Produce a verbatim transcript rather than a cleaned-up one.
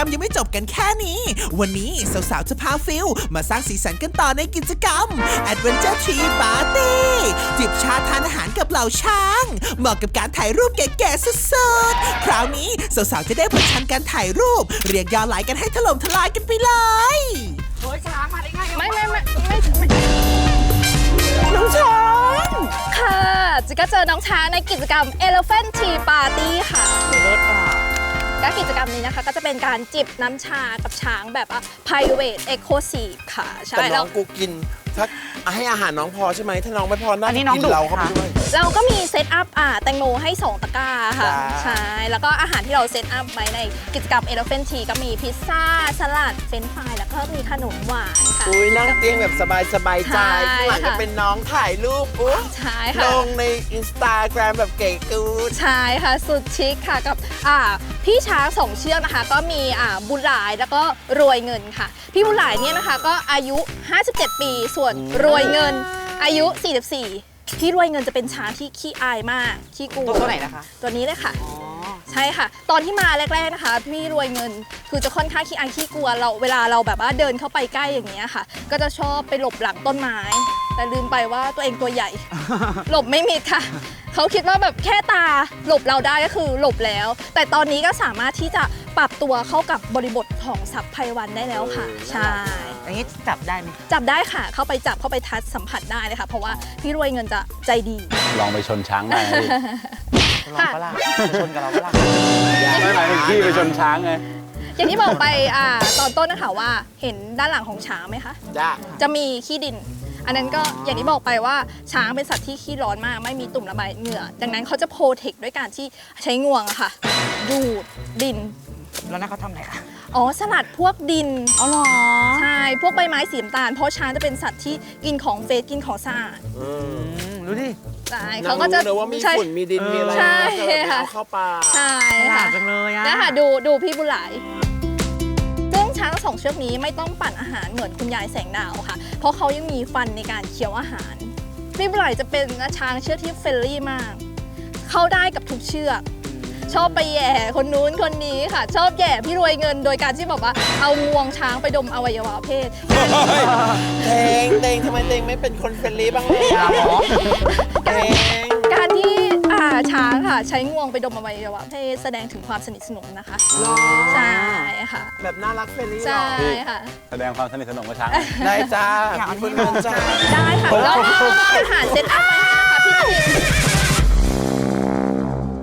มยังไม่จบกันแค่นี้วันนี้สาวๆจะพาฟิลมาสร้างสีสันกันต่อในกิจกรรม Adventure Tree Party จิบชาทานอาหารกับเหล่าช้างเหมาะกับการถ่ายรูปเก๋ๆสุดๆคราวนี้สาวๆจะได้ประชันการถ่ายรูปเรียกยอดไลค์กันให้ถล่มทลายกันไปเลยโอ้ยช้างมาได้ไงไม่ไม่ไม่ไม่ไม่น้องช้างค่ะจิก็เจอน้องช้างในกิจกรรม Elephant Tea Party ค่ะรถอ่ะก็กิจกรรมนี้นะคะก็จะเป็นการจิบน้ำชากับช้างแบบ private exclusive ค่ะใช่แต่น้องกูกินถ้าให้อาหารน้องพอใช่ไหมถ้าน้องไม่พอน่าจะกินเราเข้าไปด้วยเราก็มีเซตอัพอ่าแตงโมให้สองตะกร้าค่ะใช่แล้วก็อาหารที่เราเซตอัพไว้ในกิจกรรม Elephant Tea ก็มีพิซซ่าสลัดเฟรนช์ฟรายแล้วก็มีขนมหวานค่ะอุ้ยนั่งเตียงแบบสบายสบายใจข้างหลังจะเป็นน้องถ่ายรูปอุ๊ยใช่ค่ะลงในอินสตาแกรมแบบเก๋กูดใช่ค่ะสุดชิคค่ะกับอ่าพี่ช้างสองเชือกนะคะก็มีอ่าบุญหลายแล้วก็รวยเงินค่ะพี่บุญหลายเนี่ยนะคะก็อายุห้าสิบเจ็ดปีส่วนรวยเงินอายุสี่สิบสี่พี่รวยเงินจะเป็นช้างที่ขี้อายมากขี้กลัวตัวไหนนะคะตัวนี้เลยค่ะใช่ค่ะตอนที่มาแรกๆนะคะพี่รวยเงินคือจะค่อนข้างขี้อายขี้กลัวเราเวลาเราแบบว่าเดินเข้าไปใกล้อย่างเงี้ยค่ะก็จะชอบไปหลบหลังต้นไม้แต่ลืมไปว่าตัวเองตัวใหญ่ หลบไม่มิดค่ะเขาคิดว่าแบบแค่ตาหลบเราได้ก็คือหลบแล้วแต่ตอนนี้ก็สามารถที่จะปรับตัวเข้ากับบริบทของสัพไพวันได้แล้วค่ะใช่อย่างนี้จับได้ไหมจับได้ค่ะเข้าไปจับเข้าไปทัชสัมผัสได้เลยค่ะเพราะว่าพี่รวยเงินจะใจดีลองไปชนช้างได้ไหมลองปะล่ะชนกับเราปะล่ะไม่หมายถึงพี่ไปชนช้างไงอย่างที่บอกไปอ่าตอนต้นนะคะว่าเห็นด้านหลังของช้างไหมคะจ้าจะมีขี้ดินอันนั้นก็อย่างที่บอกไปว่าช้างเป็นสัตว์ที่ขี้ร้อนมากไม่มีตุ่มระบายเหงื่อดังนั้นเขาจะโปรเทคด้วยการที่ใช้งวงอะค่ะดูดดินแล้วนั่นเขาทำอะไรคะอ๋อสลัดพวกดินอ๋อเหรอใช่พวกใบไม้สีน้ำตาลเพราะช้างจะเป็นสัตว์ที่กินของเฟสกินของสะอาดดูดิใช่เขาก็จะรู้ว่ามีฝุ่นมีดินมีอะไรใช่ค่ะเข้าปากใช่ค่ะจังเลยอะนะคะดูดูพี่บุญหลายซึ่งช้างสองเชือกนี้ไม่ต้องปั่นอาหารเหมือนคุณยายแสงดาวค่ะเพราะเขายังมีฟันในการเคี้ยวอาหารพี่บุญหลายจะเป็นช้างเชือกที่เฟรนลี่มากเข้าได้กับทุกเชือกชอบไปแย่คนนู้นคนนี้ค่ะชอบแย่พี่รวยเงินโดยการที่บอกว่าเอางวงช้างไปดมอวัยวะเพศเตงเตงทำไมเตงไม่เป็นคนเฟรนลี่บ้างเลยเตงการที่ช้างค่ะใช้งวงไปดมอวัยวะเพศแสดงถึงความสนิทสนมนะคะใช่ค่ะแบบน่ารักเฟรนลี่ใช่ค่ะแสดงความสนิทสนมกับช้างได้จ้าคุณเงินจ้าได้ค่ะแล้วอาหารเซตอัพไว้ให้นะคะพี่ที